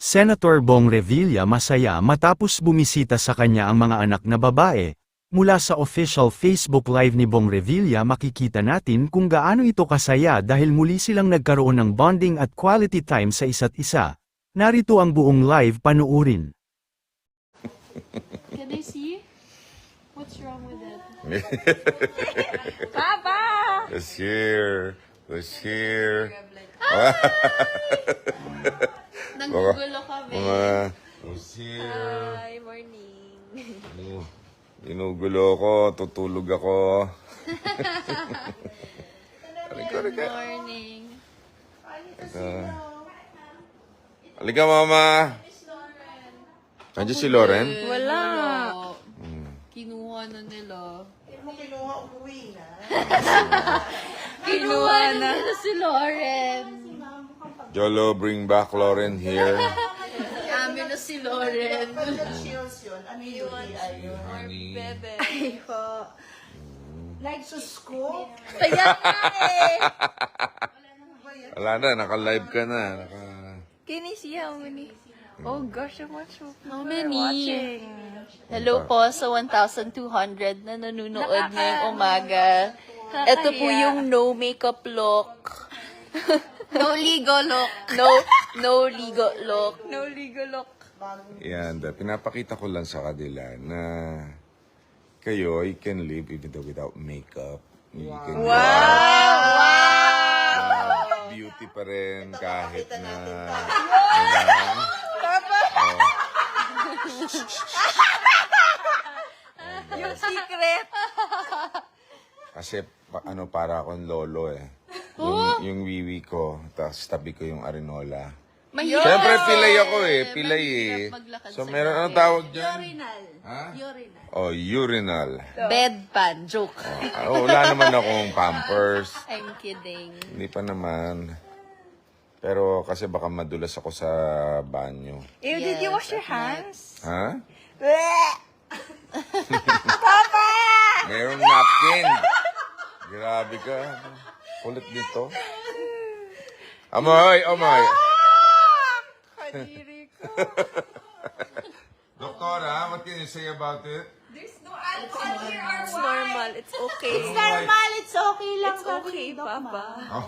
Senator Bong Revilla masaya matapos bumisita sa kanya ang mga anak na babae. Mula sa official Facebook Live ni Bong Revilla makikita natin kung gaano ito kasaya dahil muli silang nagkaroon ng bonding at quality time sa isa't isa. Narito ang buong live, panuurin. Can I see? What's wrong with it? Papa! Let's hear. Let's hear. Nanggugulo kami. Let's hear. Hi, morning. Ginugulo ko, tutulog ako. Good morning. Halika, Mama. Nandiyan si Lauren? Wala. Kinuha na nila. Kinuha na. Si Lauren. Jolo, bring back Lauren here. Amin na si Lauren. Honey. Bebe. Ay po. Like sa school? Kaya nga eh. Wala na, naka-live ka na. Can you see how many? Oh gosh, how much How people are many? watching? Hello po sa 1,200 na nanonood ngayong umaga. Ito po yung no makeup look. No ligo look. No ligo look. No ligo look. Yan, pinapakita ko lang sa kanila na kayo, you can live even though without makeup. You can beauty pa rin kahit na... Papa! Yung secret. Kasi para akong lolo eh. Yung wiwi ko, tapos tabi ko yung arenola. Mahirap. Siyempre, pilay ako eh. Pilay Mahirap eh. maglakad So, sa meron gabi. anong tawag dyan? Urinal. Ha? Urinal. Oh, urinal. Bedpan. Joke. Wala naman akong pampers. I'm kidding. Hindi pa naman. Pero kasi baka madulas ako sa banyo. Ew, did you wash your hands? Ha? Papa! Mayroong napkin. Grabe ka. Kulit dito. Amoy, amoy. Kadiri ko. Doktora, what can you say about it? There's no alcohol here. It's normal. It's okay. It's normal. It's okay lang. It's okay, Papa.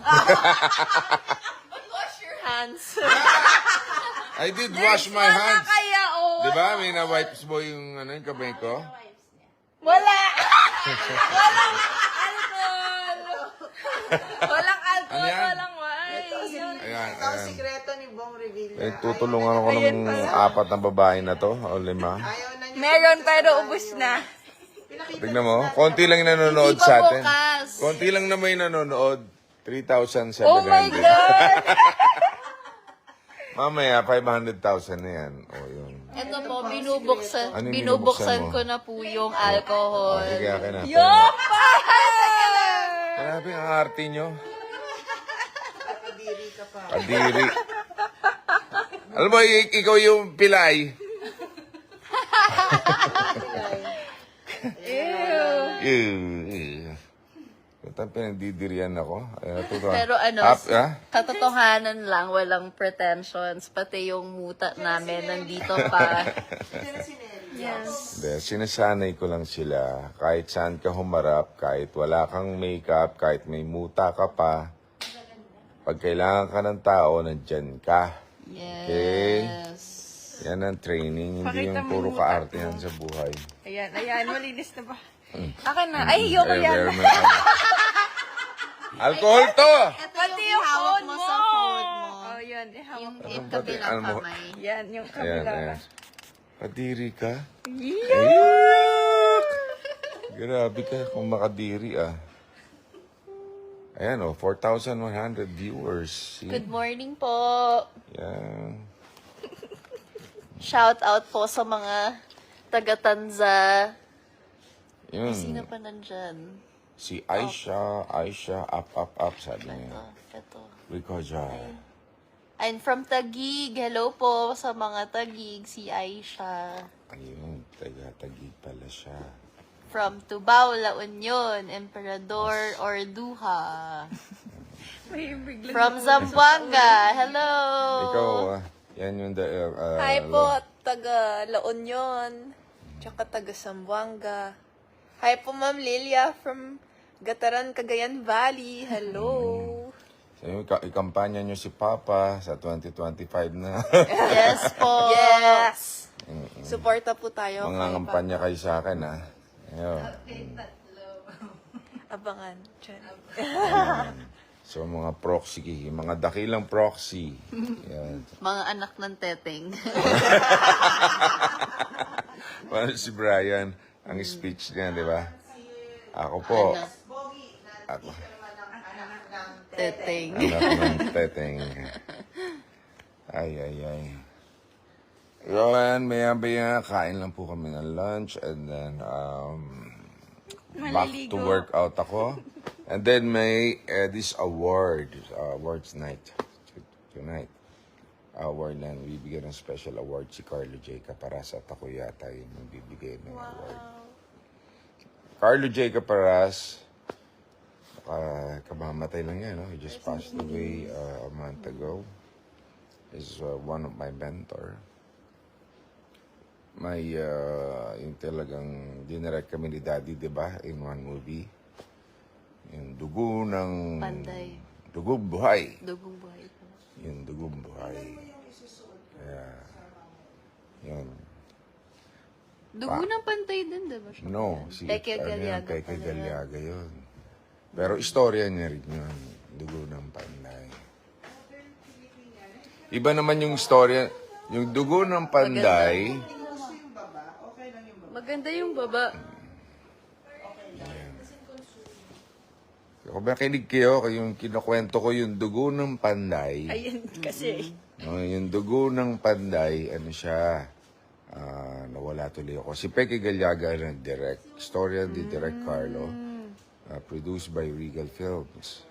Wash your hands. I did wash my hands. Kaya, oh. Di ba? May na-wipes mo yung, yung kamay ko? Wala! Walang alcohol! Walang alcohol, Ano yan? walang wine. Ayan, Ito ang ayan. sikreto ni Bong Revilla. Tutulungan ako ng apat na babae na to, o 5. Ayaw na niya. Meron pero ubus na. Tignan mo, konti lang yung nanonood Hindi pa sa atin. bukas. Konti lang na may nanonood. 3,700. Oh my God! Mamaya, 500,000 na yan. O, yun. Ito po, binubuksan, Ano yung binubuksan binubuksan mo? ko na po yung alcohol. Sige, akin na. Yopa! Grabe ang arte nyo. Kadiri ka pa. Kadiri. Alam mo, ikaw yung pilay. Ew. Ito pinagdidirian ako. Pero ano, Ah? katotohanan lang, walang pretensions. Pati yung muta namin nandito pa. Sino si Nelly? Yes. Hindi, sinasanay ko lang sila. Kahit saan ka humarap, kahit wala kang makeup, kahit may muta ka pa, pag kailangan ka ng tao, nandyan ka. Yes. Yan ang training, hindi Pakita yung mo puro yung muta kaarte ko. yan sa buhay. Ayan, ayan, malinis na ba? Akin na. Ay, yoko yan. Alcohol to! Pati yung phone mo mo. sa phone mo. Oh, yan. Ihawak Yung mo. kabilang Ano mo? kamay. Yan, yung Ayan, kabila. ayan. Kadiri ka? Yeah. Yuck! Grabe ka kung makadiri ah. Ayan oh, 4,100 viewers. See? Good morning po. Yan. Shout out po sa mga taga-Tanza. Yun. Sino pa nandyan? Si Aisha, up, sabi Ito, niya. ito. Rikoja. I'm from Taguig. Hello po sa mga Taguig, si Aisha. Ayun, taga-tagig pala siya. From Tubao, La Union, Emperador, Orduha. May biglang From Zamboanga, hello! Ikaw, Yan yung Hi po, taga La Union. Tsaka taga Zamboanga. Hi po, Ma'am Lilia from Gataran, Cagayan Valley. Hello. So, ikampanya nyo si Papa sa 2025 na. Yes po. Yes. Suporta po tayo. Mga kay kampanya kayo sa akin, ha? Ayun. Papa. Abangan. Diyan. So, mga proxy, mga dakilang proxy. Yan. Mga anak ng teteng. Paano si Brian, ang speech niya, di ba? Ako po. Anak. Ako. Teteng. Anak ng teteng. Ay. Yan, maya-maya, kain lang po kami ng lunch and then back to work out ako. And then may this awards night tonight. Award lang, bibigyan ng special award si Carlo J. Caparas at ako yata yung magbibigay ng award. Carlo J. Caparas, kamamatay lang yan, no? He just passed away a month ago. He's one of my mentor. May, yung talagang dinirect kami ni Daddy, di ba, in one movie. Yung dugo ng... Panday. Dugong buhay. Dugong buhay po. Yung dugong buhay. Kaya, yun. Dugo ng pantay din, diba? No, si Peke Galiaga Peke pala Galiaga yun. Pero istorya niya rin yun. Dugo ng panday. Iba naman yung istorya. Yung dugo ng panday, Maganda yung baba. kung makinig kayo, yung kinukwento ko yung dugo ng panday. Ayun kasi. No, yung dugo ng panday, ano siya, nawala tuloy ako. Si Peke Galiaga nag-direct. Storya ni Direct Carlo. Produced by Regal Films.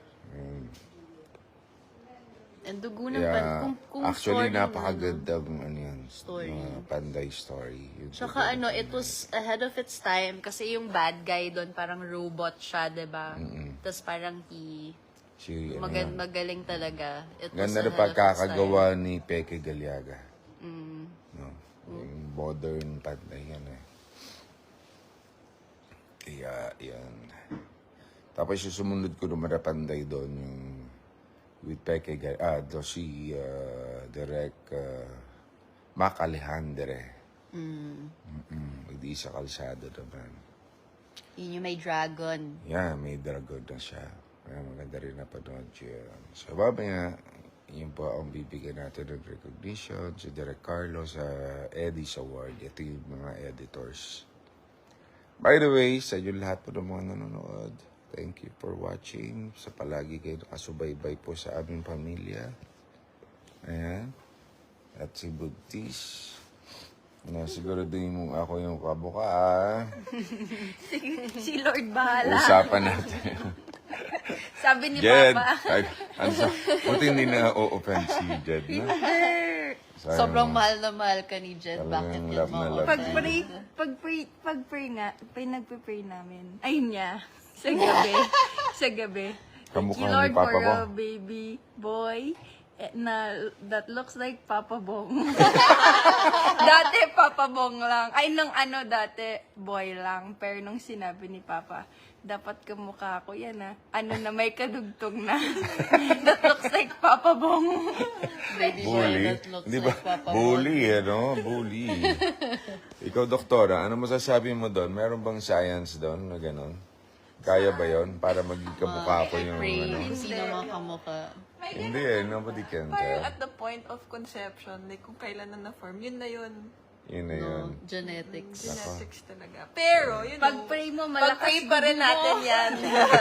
And dugo ng Yeah, kung actually, story mo, napakagandang ano yan, Story. panday story. Yung Tsaka dugo ng it was ahead of its time kasi yung bad guy doon parang robot siya, 'di ba? Tapos parang si, ano yan. magaling talaga. It was Ganda na ahead of its pagkakagawa ni Peke Galiaga. time. No? Yung modern panday yan eh. Kaya, yan. Tapos yung sumunod ko naman na panday doon, yung with Peke Galiaga, si Direk Mac Alejandre. With Isa Calzado naman. Yun yung may dragon. Yeah, may dragon na siya. Kaya maganda rin napanood siya. So, babaya, yun po ang bibigyan natin ng recognition si Direk Carlo sa Eddie's Award. Ito yung mga editors. By the way, sa inyo lahat po ng mga nanonood, thank you for watching. Sa palagi kayo nakasubaybay po sa aming pamilya. Ayan. At si Buntis. Na siguro din mong ako yung kabuka, ah. Si Lord bahala. Usapan natin. Sabi ni Jed. Papa. Ay, buti hindi na o-offend si Jed, no? Sayang. Sobrang mahal na mahal ka ni Jed. Talagang Bakit love yun na mo? love. Pag-pray nga, nagpe-pray namin. Ayun niya. Sa gabi. Sa gabi. Thank Kamukha you, ni Lord, Papa for mo. a baby boy that looks like Papa Bong. Dati Papa Bong lang. Ay, nung dati boy lang. Pero nung sinabi ni Papa, dapat kamukha ko yan Ano na may kadugtong na. That looks like Papa Bong. Baby boy Bully? that looks Hindi ba? like Papa Bully, ano? Bully. Ikaw, doktora, ano masasabi mo doon? Meron bang science doon na gano'n? Kaya ba yon para maging kamukha ko yung Pray, ano? sino mga kamukha. Hindi eh, nobody can Parang tell. at the point of conception, like kung kailan na na-form, yun na yun. Yun na yun. No, genetics. Genetics talaga. Pero, yun Pag-pray mo, malakas pag-pray pa rin natin yan.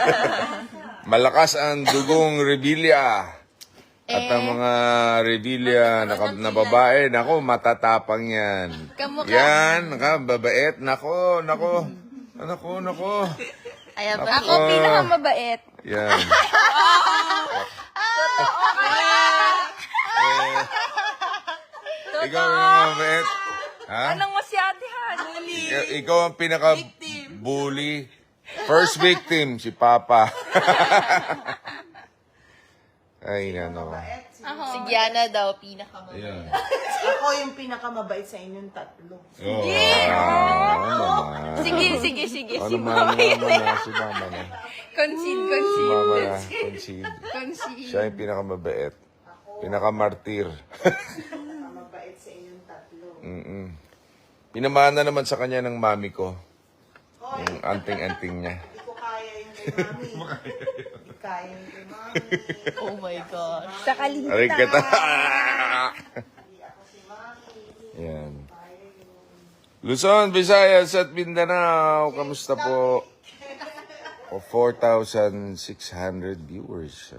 Malakas ang dugong Revilla. At ang mga Revilla na babae, nako, matatapang yan. Kamukha. Yan, babait. Nako. Ay, Ako pinakamabait. Yan. Ikaw yung mabait. Ha? Anong masyatihan? Ikaw ang pinaka-bully. First victim, si Papa. Ay, nano. Si Gianna daw, pinakamabait. Ayan. Ako yung pinakamabait sa inyong tatlo. Oo naman. Sige. Ano naman na, si mama na. Concede. Si mama na, concede. Concede. Siya yung pinakamabait. Pinakamartir. Pinakamabait sa inyong tatlo. Pinamana naman sa kanya ng mami ko. Yung anting-anting niya. Hindi ko kaya yung kay mami. Hindi kaya yung kay mami. Oh my gosh. Sa kalita. Aray kita. Hindi ako si mami. Yan. Luzon, Visayas at Mindanao. Kamusta po? O 4,600 viewers.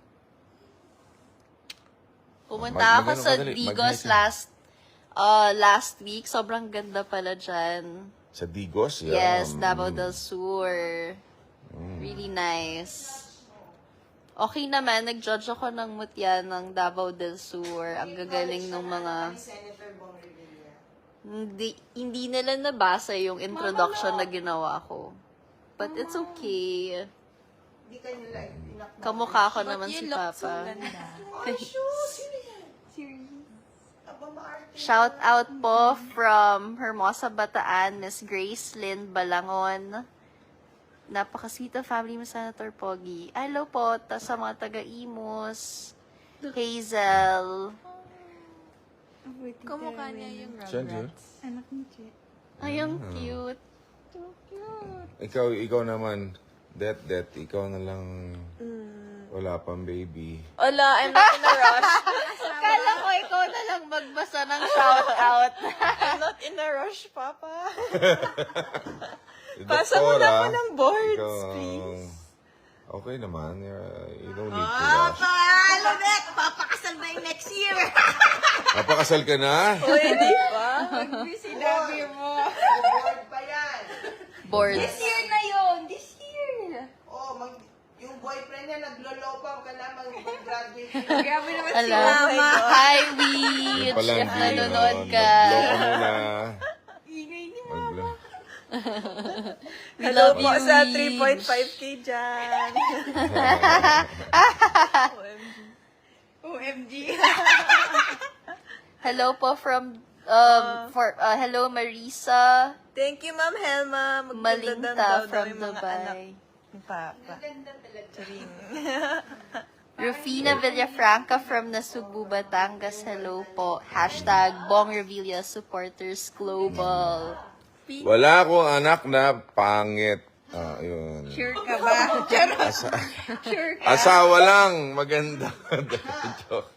Pumunta ako Mag- sa madali, Digos mag-night last week. Sobrang ganda pala dyan. Sa Digos? Yeah. Yes, Davao del Sur. Really nice. Okay naman, nag-judge ako ng mutya ng Davao del Sur. Ang gagaling ng mga... Senator Bong Revilla. Hindi nila nabasa yung introduction na ginawa ko. But it's okay. Hindi ka nila inak. Kamukha ko naman si Papa. Aba, maarte. Shout out po from Hermosa, Bataan, Miss Grace Lynn Balangon. Napaka-sweet of family mo, Senator Pogi. Hello po sa mga taga-Imus. Hazel. Kumukha niya yung Saan yun? Anak ni Che. Ay, ang cute. Ikaw naman. Det, ikaw na lang wala pang baby. Wala, I'm not in a rush. Kala ko ikaw na lang magbasa ng shout out. I'm not in a rush, Papa. Pasa mo na ako ng boards, please. Okay naman. You don't need to rush. Alabek! Papakasal na yung next year! Napakasal ka na? Pwede pa? Sinabi mo. Board pa yan. Boards. This year na yun. This year. Oh, yung boyfriend niya naglolopang ka na mag-graduate. Grabe naman si Hello. Mama. Hi, Yung Witch. pala, If hindi nanonood yun. ka. Mag-blow ka muna. Ingay ni Mag-blow. Hello love po you, sa Witch. 3.5k dyan. OMG. Hello po from hello Marisa Thank you, Ma'am Helma. Maganda Malinta daw from yung mga anak Dubai. ni Papa. Charing. Rufina Villafranca from Nasugbu, Batangas. Hello po. # Bong Revilla Supporters Global. Wala akong anak na pangit. Yun. Sure ka ba? Charot. Sure ka? Asawa lang. Maganda. Joke.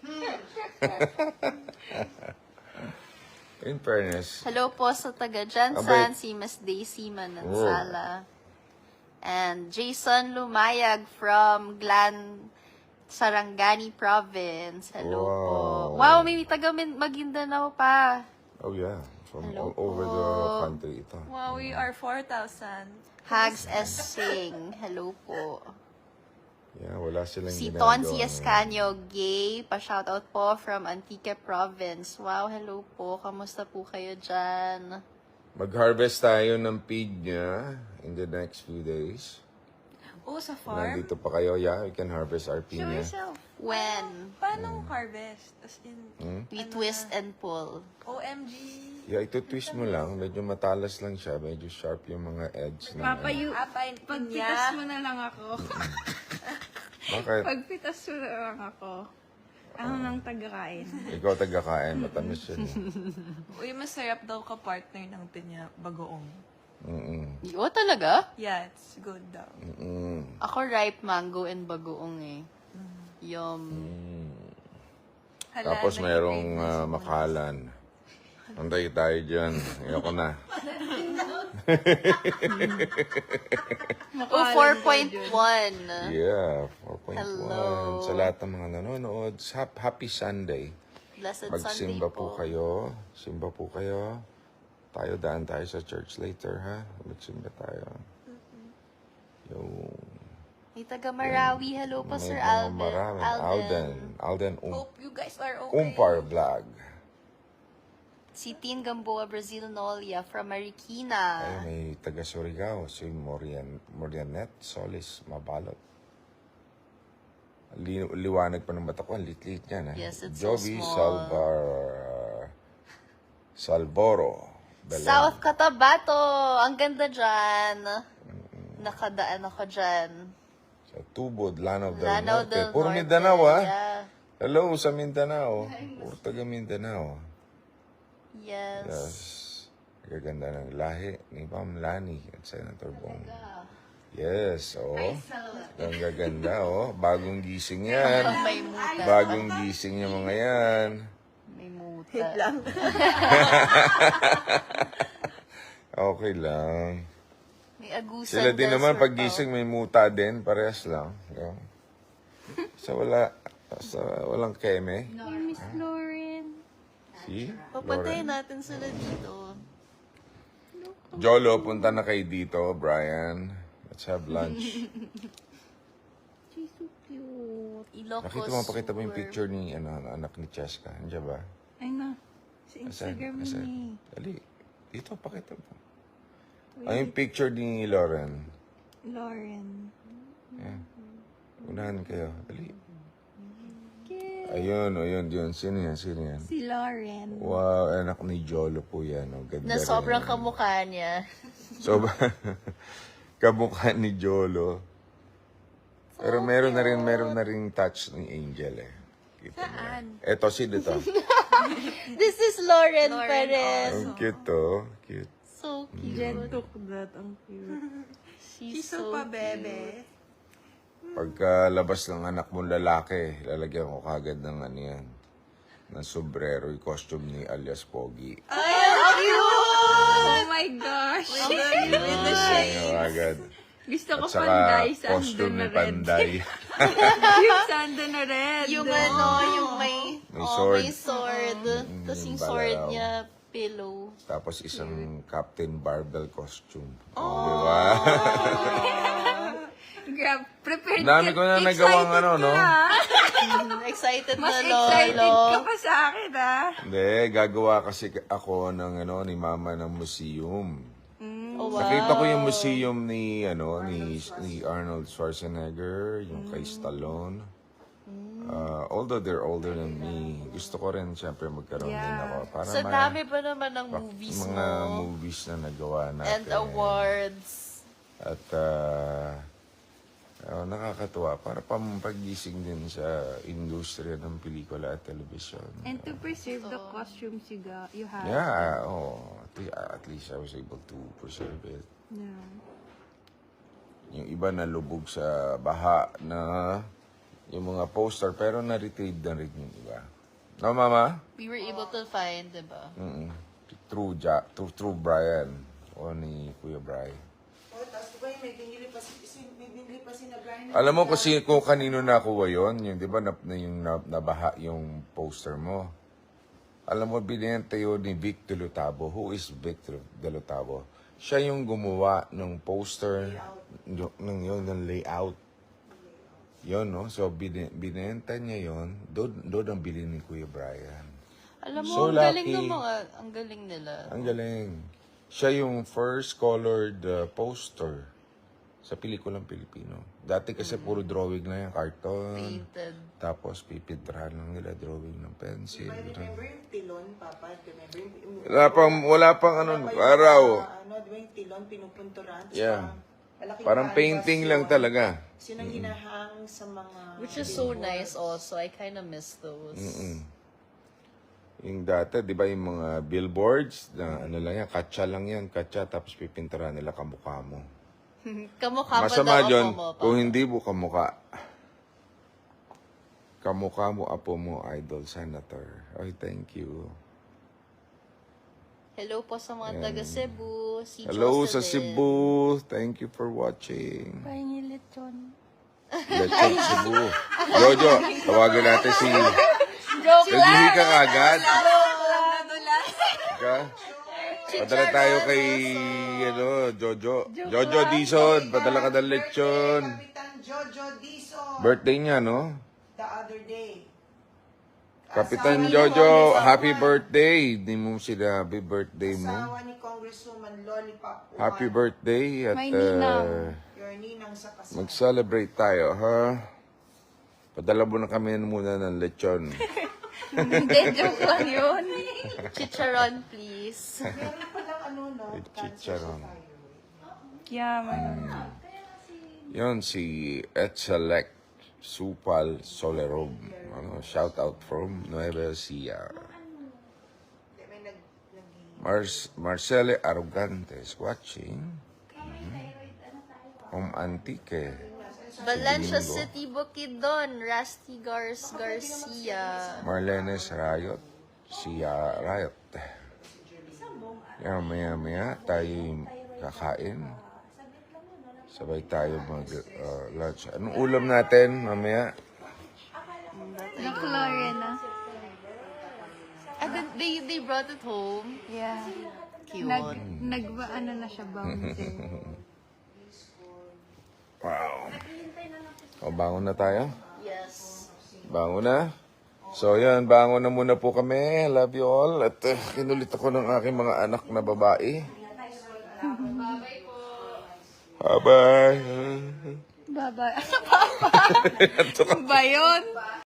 In fairness. Hello po sa taga Jansan, si Miss Daisy Manansala. And Jason Lumayag from Glan, Sarangani Province. Hello po. Wow. Wow, may taga Maguindanao pa. Oh yeah. From Hello all over the po. country ito. Wow, we are 4,000. Hags S. Sing. Hello po. Yeah, wala silang Si ginagawa. Tonsi Escanio Gay, pa-shoutout po from Antique Province. Wow, hello po. Kamusta po kayo dyan? Mag-harvest tayo ng pig niya in the next few days. Oh, sa farm? Nandito pa kayo, yeah, we can harvest our Show pinya. yourself. When? Paano harvest? As in, We twist and pull. OMG. Yeah, ito twist mo lang. Medyo matalas lang siya. Medyo sharp yung mga edge. ng Papa, ano. pagpitas mo na lang ako. Bakit? Pagpitas mo na lang ako. Ako nang tagakain. Ikaw taga-kain. Matamis yun. Uy, masarap daw ka partner ng pinya bagoong. Oh, talaga? Yeah, it's good daw. Ako ripe mango and bagoong eh. Yum. Hala, Tapos mayroong nag-crave na si makalan. Antay tayo dyan. Ayoko na. Oh, 4.1. Yeah, 4.1. Hello. Sa lahat ng mga nanonood, happy Sunday. Blessed Sunday Magsimba po po. kayo. Simba po kayo. Tayo, daan tayo sa church later, ha? Magsimba tayo. Yung... May taga Marawi. Hello po, may Sir mga Alvin. marami. Alden Hope you guys are okay. Umpar Vlog. Si Tin Gamboa, Brazil Nolia from Marikina. Ay, may taga Surigao, si Morianet Solis Mabalot. Liwanag pa ng mata ko. Ang lit-lit yan. Yes, it's so Jovi small. Salvoro. Belen. South Cotabato! Ang ganda dyan. Nakadaan ako dyan. Sa Tubod, Lanao del Lanao Norte. del Puro Norte. Mindanao, ah. Yeah. Hello sa Mindanao. Puro taga Mindanao. Yes. Yes. Gaganda ng lahi ni Ma'am Lani at Senator Bong. Yes, oh. Ang gaganda, oh. Bagong gising yan. May muta. Bagong gising yung mga yan. May muta. Okay lang. May agusan. Sila din del naman, Surpao. pag gising may muta din. Parehas lang. Yeah. Sa walang keme. Miss Lauren. See? Papatayin natin sila dito. Jolo, punta na kayo dito, Brian. Let's have lunch. She's so cute. Ilocos. Nakita mo, pakita mo yung picture ni anak ni Cheska. Andiyan ba? Ay na. Sa Asan? Instagram Asan? ni. Dali. Dito, pakita mo. Ay, yung picture ni Lauren. Lauren. Yan. Unahan kayo. Dali. Ayun, yun. Sino yan? Si Lauren. Wow, anak ni Jolo po yan. Oh. Ganda Na rin. sobrang kamukha niya. So, kamukha ni Jolo. Pero meron na rin touch ni Angel eh. Kita mo yan. Eto, sino to? This is Lauren Perez. Ang cute to. Cute. So cute. Jen took that. Ang cute. She's Kiso so pa, cute. bebe. Pagkalabas ng anak mong lalaki, lalagyan ko kagad ng ano yan. Ng sombrero, yung costume ni alias Pogi. Oh my gosh. Ano agad. Gusto ko At saka panday. Sando costume na ni red. Panday. Yung sando na red. Yung ano, yung may sword. may sword. Tapos yung yung sword balaw. niya, pillow. Tapos isang Captain Barbell costume. Di ba? Grab, prepared Dami ko na nagawang ano, no? Excited Mas na excited lolo. ka pa sa akin, ah. Hindi, gagawa kasi ako ng ano ni Mama ng museum. Oh, wow. Nakita ko yung museum ni ni Arnold Schwarzenegger, yung kay Stallone. Although they're older than me, gusto ko rin siyempre magkaroon din ako para Sa dami pa naman ng movies mga mo. movies na nagawa natin. And awards. At nakakatuwa para pagising din sa industriya ng pelikula at telebisyon. And to preserve the costumes you have. Yeah, at least I was able to preserve it. Yeah. Yung iba na lubog sa baha na yung mga poster pero na-retrieve na rin yung iba. No, Mama? We were able to find, diba? Mm-mm. True Brian o ni Kuya Brian. Oh, tapos ba may binili pa si na Brian. Alam mo kasi kung kanino nakuha yon, yung 'di ba yung nabaha yung poster mo. Alam mo binenta yun ni Vic Delotabo. Who is Vic Delotabo? Siya yung gumawa ng poster ng layout. Yon, no? So binenta niya yon. Doon ang bili ni Kuya Brian. Alam mo, So ang galing lucky. ng mga, ang galing nila. Ang galing. Siya yung first colored poster sa pelikulang Pilipino. Dati kasi puro drawing lang yung carton. Painted. Tapos pipidrahan lang nila drawing ng pencil. Remember yung tilon, Papa? Remember yung... Wala pang araw. Di ba yung tilon, pinupunturan? Tapos Yeah. malaking Parang canvas painting yun. lang talaga. Tapos yun ang hinahang sa mga... Which is so nice also. I kind of miss those. Yung dati, di ba yung mga billboards, na ano lang yan, katsa lang yan, katsa, tapos pipinturahan nila kamukha mo. Kamukha pa Masama daw yun, ako mo. kung hindi mo kamukha. Kamukha mo, apo mo, idol, senator. Ay, thank you. Hello po sa mga taga Cebu. Si Hello Jocelyn. sa Cebu. Thank you for watching. Pahingi lechon. Lechon Cebu. Jojo, tawagan natin si... Joke lang! Naghihi ka agad. Ka? Padala tayo kay Jojo. Jojo Dizon, padala ka ng lechon. Kapitan Jojo Dizon, Birthday niya, no? the other day. Kapitan Jojo, happy birthday. Hindi mo sinabi birthday mo. Asawa ni Congresswoman Lollipop Juan. Happy birthday at May ninang. Your ninang sa kasal. mag-celebrate tayo, ha? Padala mo na kami muna ng lechon. Hindi, joke lang yun. Chicharon, please. Meron palang ano, no? With chicharon. Yeah, man. Yun, si Etzelec Supal Solerob. Ano, shout out from Nueva Ecija. May nag... Marcele Arrogantes watching. Antique. Valencia City, Bukidnon, Rusty Garcia. Marlenes Rayot. Sia Rayot. Yan, maya tayo kakain. Sabay tayo mag-lunch. Anong ulam natin mamaya? The Florena. They brought it home. Yeah. Cute. Ano na siya, bouncer. Wow. O, bangon na tayo? Yes. Bangon na? So, yan. Bangon na muna po kami. Love you all. At kinulit ako ng aking mga anak na babae. Bye-bye. Bye-bye. Ano ba yun?